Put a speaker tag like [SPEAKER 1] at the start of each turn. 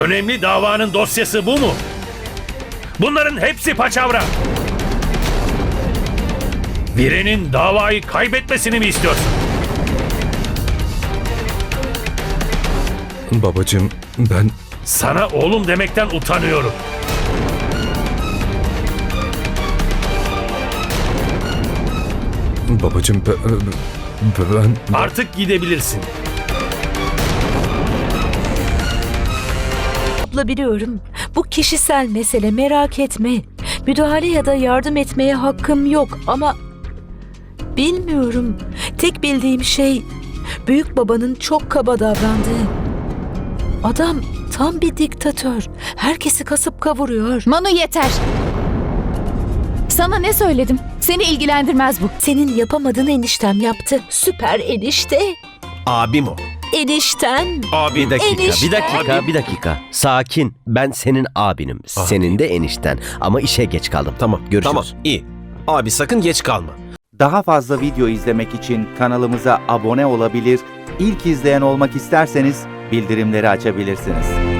[SPEAKER 1] Önemli davanın dosyası bu mu? Bunların hepsi paçavra. Birinin davayı kaybetmesini mi istiyorsun?
[SPEAKER 2] Babacığım ben...
[SPEAKER 1] Sana oğlum demekten utanıyorum.
[SPEAKER 2] Babacığım ben...
[SPEAKER 1] Artık gidebilirsin.
[SPEAKER 3] Abla biliyorum. Bu kişisel mesele, merak etme. Müdahale ya da yardım etmeye hakkım yok ama... Bilmiyorum. Tek bildiğim şey büyük babanın çok kaba davrandığı. Adam tam bir diktatör. Herkesi kasıp kavuruyor.
[SPEAKER 4] Manu yeter. Sana ne söyledim? Seni ilgilendirmez bu.
[SPEAKER 3] Senin yapamadığın eniştem yaptı. Süper enişte.
[SPEAKER 5] Abim o.
[SPEAKER 3] Enişten.
[SPEAKER 5] Abi
[SPEAKER 3] Enişte.
[SPEAKER 6] Bir dakika. Sakin. Ben senin abinim. Senin de enişten. Ama işe geç kaldım.
[SPEAKER 5] Tamam.
[SPEAKER 6] Görüşürüz.
[SPEAKER 5] Tamam. İyi. Abi sakın geç kalma.
[SPEAKER 7] Daha fazla video izlemek için kanalımıza abone olabilir, ilk izleyen olmak isterseniz bildirimleri açabilirsiniz.